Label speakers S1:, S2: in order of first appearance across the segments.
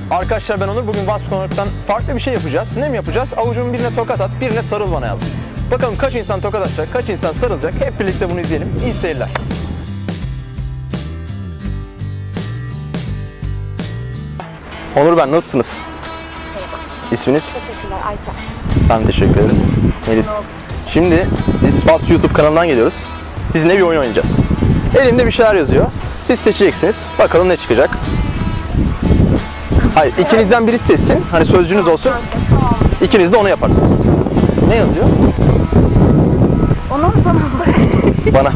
S1: Arkadaşlar ben Onur. Bugün Vasf.org'dan farklı bir şey yapacağız. Ne mi yapacağız? Avucumun birine tokat at, birine sarıl bana yazdım. Bakalım kaç insan tokat atacak, kaç insan sarılacak. Hep birlikte bunu izleyelim. İyi seyirler. Onur ben, nasılsınız? İsminiz?
S2: Teşekkürler Ayça.
S1: Ben teşekkür ederim. Melis. Şimdi biz Vasf YouTube kanalından geliyoruz. Sizinle bir oyun oynayacağız. Elimde bir şeyler yazıyor. Siz seçeceksiniz. Bakalım ne çıkacak. Hayır, ikinizden biri seçsin. Hani sözcüğünüz olsun.
S2: Tamam.
S1: İkiniz de onu yaparsınız. Ne yazıyor?
S2: Ona mı sana mı?
S1: Bana.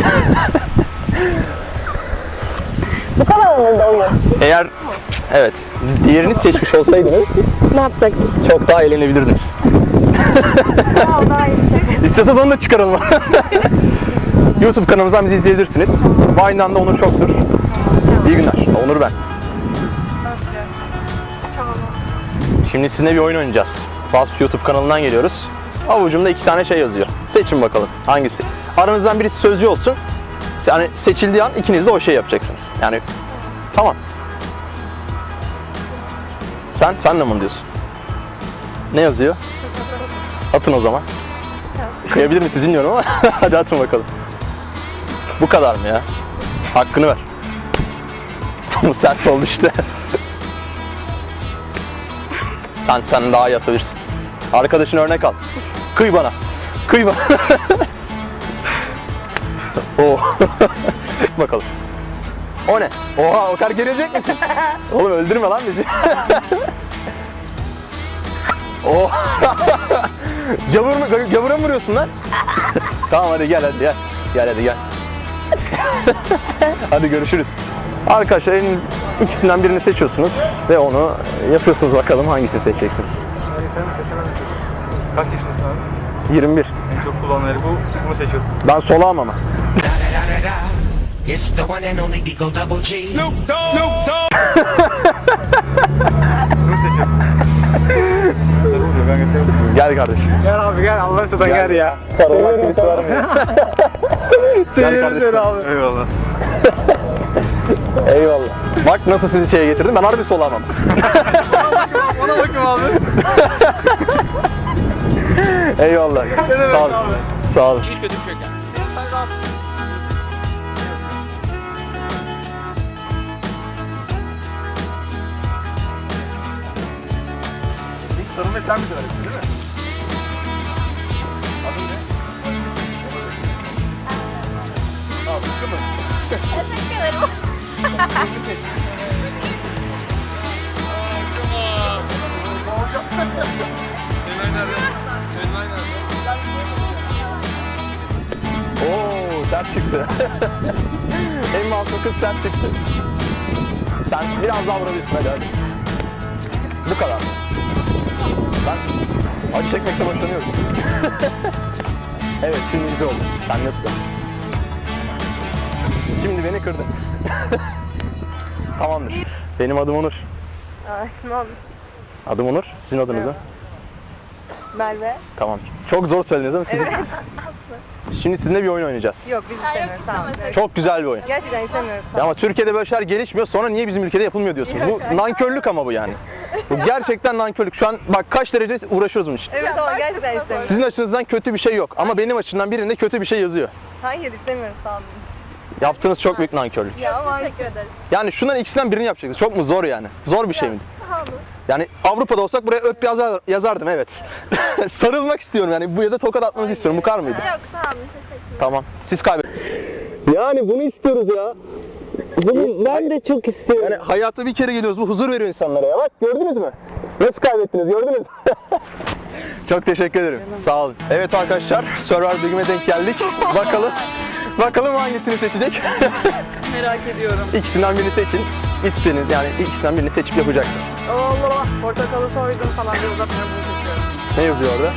S2: Bu kadar mıydı oyun?
S1: Eğer evet, diğerini seçmiş olsaydınız
S2: Ne yapacaktık?
S1: çok daha eğlenebilirdiniz.
S2: Daha iyi bir şey.
S1: İstiyorsanız onu da çıkaralım. YouTube kanalımızdan bizi izleyebilirsiniz. Vine'dan da Onur Çoktur. İyi günler. Onur ben. Şimdi sizinle bir oyun oynayacağız. Vasf YouTube kanalından geliyoruz. Avucumda 2 tane şey yazıyor. Seçin bakalım hangisi. Aranızdan birisi sözcü olsun. Yani seçildiği an ikiniz de o şeyi yapacaksınız. Yani tamam. Sen de mi onu diyorsun? Ne yazıyor? Atın o zaman. Kıyabilir misiniz bilmiyorum ama hadi atın bakalım. Bu kadar mı ya? Hakkını ver. Bu sert oldu işte. Sen daha iyi atabilirsin. Arkadaşın örnek al. Kıy bana. Kıy bana. Oh. Bakalım. O ne? Oha, o kadar gelecek misin? Oğlum öldürme lan bizi. Oh. Gavura mı vuruyorsun lan? Tamam hadi gel. Gel hadi gel. Hadi görüşürüz. Arkadaşlar ikisinden birini seçiyorsunuz ve onu yapıyorsunuz, bakalım hangisini seçeceksiniz.
S3: Sen mi seçemedin? Kaç yaşındasın abi?
S1: 21.
S3: En çok kullananları bunu seçiyorum.
S1: Ben solağım ama.
S4: It's the one and only Digo Double G. Snoop Dogg.
S3: Bunu seçiyorum. Sarı oluyor, ben geçelim.
S1: Gel kardeşim.
S3: Gel abi gel, Allah'ın sen gel ya.
S1: Sarılmak birisi var mı ya? Gel kardeşim.
S3: abi. Eyvallah.
S1: Eyvallah. Bak nasıl sizi şeye getirdim. Ben harbi solağım.
S3: Ona bakayım abi.
S1: Eyvallah. Sağ ol. Sağ ol.
S5: Hiç kötü bir şey yok yani.
S3: İlk sarılmayı sen mi söyledin değil mi? Adın ne? Aa, Sıtkı mı?
S2: Teşekkür ederim.
S1: Oo, sert çıktı. En masum kız sert çıktı. Sen biraz daha vurabilirsin hadi. Bu kadar. Ben acı çekmekte boşanıyorum. Evet, şimdi güzel oldu. Sen nasıl? Şimdi beni kırdın. Tamamdır. Benim adım Onur.
S2: Tamam.
S1: Adım Onur. Sizin adınız ne?
S2: Merve.
S1: Tamam. Çok zor söylediniz değil mi? Sizin?
S2: Evet.
S1: Şimdi sizinle bir oyun oynayacağız.
S2: Yok biz istemiyoruz. Tamam.
S1: Çok güzel bir oyun.
S2: Gerçekten istemiyoruz.
S1: Ya ama Türkiye'de böyle şeyler gelişmiyor, sonra niye bizim ülkede yapılmıyor diyorsunuz? Bu nankörlük ama bu yani. Bu gerçekten nankörlük. Şu an bak kaç derece uğraşıyoruz bunun için.
S2: Evet ama gerçekten istemiyoruz.
S1: Sizin açınızdan kötü bir şey yok ama benim açımdan birinde kötü bir şey yazıyor.
S2: Hayır istemiyoruz tamam.
S1: Yaptığınız çok büyük nankörlük.
S2: Ya ama teşekkür ederiz.
S1: Yani şunların ikisinden birini yapacaksınız. Çok mu zor yani? Zor bir şey mi? Yani Avrupa'da olsak buraya öp yazardım evet. Sarılmak istiyorum yani, bu ya da tokat atmanızı istiyorum. Bu kadar mıydı?
S2: Yok sağ olun teşekkür
S1: Tamam. Siz kaybedin. Yani bunu istiyoruz ya. Bunu ben de çok istiyorum. Yani hayatta bir kere geliyoruz. Bu huzur veriyor insanlara ya. Bak gördünüz mü? Nasıl kaybettiniz gördünüz mü? Çok teşekkür ederim. Sağ olun. Evet arkadaşlar, Survivor bölümüne denk geldik. Bakalım hangisini seçecek?
S5: Merak ediyorum.
S1: İkisinden birini seçin. İstediğiniz yani ikisinden birini seçip yapacaksınız.
S2: Allah portakalı soydum falan diye uzatmıyor bunu seçiyorum.
S1: Ne yazıyor orada?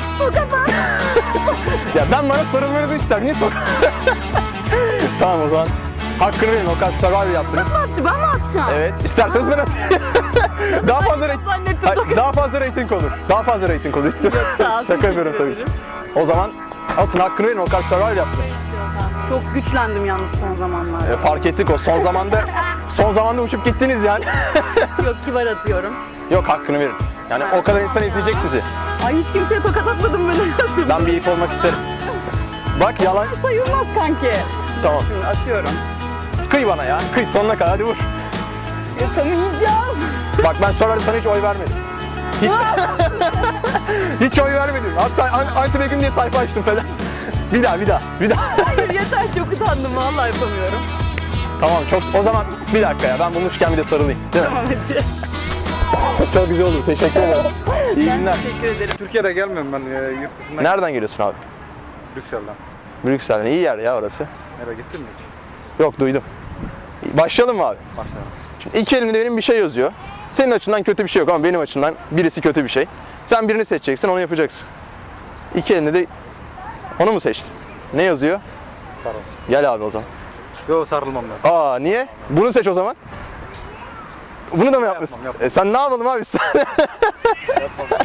S1: Ya ben bana sarılmanızı ister. Niye sor? Tamam o zaman. Hakkını verin, o kadar Survivor yaptınız.
S2: Ben mi atacağım?
S1: Evet. İsterseniz ben atayım. Daha fazla daha fazla reyting olur. Daha fazla reyting olur. Şaka yapıyorum tabii ki. O zaman atın, hakkını verin, o kadar Survivor yaptınız.
S6: Çok güçlendim yalnız son zamanlarda.
S1: Fark ettik, o son son zamanda uçup gittiniz yani.
S5: Yok, kibar atıyorum.
S1: Yok, hakkını verin. Yani o kadar insan izleyecek sizi.
S5: Ay, hiç kimseye tokat atmadım ben.
S1: Ben bir ip olmak isterim. Bak yalan.
S5: Sayılmaz kanki.
S1: Tamam.
S5: Şimdi atıyorum.
S1: Kıy bana ya. Kıy sonuna kadar hadi vur.
S5: Yakamayacağım.
S1: Bak ben sonra sana hiç oy vermedim. Hiç, hiç oy vermedim. Hatta anti Begüm diye sayfa açtım falan. Bir daha.
S5: Hayır, yeter, çok utandım. Vallahi yapamıyorum.
S1: Tamam çok. O zaman bir dakika ya. Ben bulmuşken bir de sarılayım. Değil mi?
S5: Tamam, hadi.
S1: Çok güzel olur. Teşekkür ederim. İyi
S5: Ben
S1: günler.
S5: teşekkür ederim.
S3: Türkiye'de gelmiyorum ben yurt dışından.
S1: Nereden geliyorsun abi?
S3: Brüksel'den.
S1: Brüksel'den. İyi yer ya orası.
S3: Nereye gittin mi hiç?
S1: Yok duydum. Başlayalım mı abi?
S3: Başlayalım.
S1: Şimdi iki elimde benim bir şey yazıyor. Senin açından kötü bir şey yok ama benim açımdan birisi kötü bir şey. Sen birini seçeceksin, onu yapacaksın. İki elinde de onu mu seçtin? Ne yazıyor?
S3: Sarıl.
S1: Gel abi o zaman.
S3: Yok sarılmam ben.
S1: Aa niye? Bunu seç o zaman. Bunu da mı yapmışsın?
S3: Yapmam.
S1: Sen ne yapalım abi sen?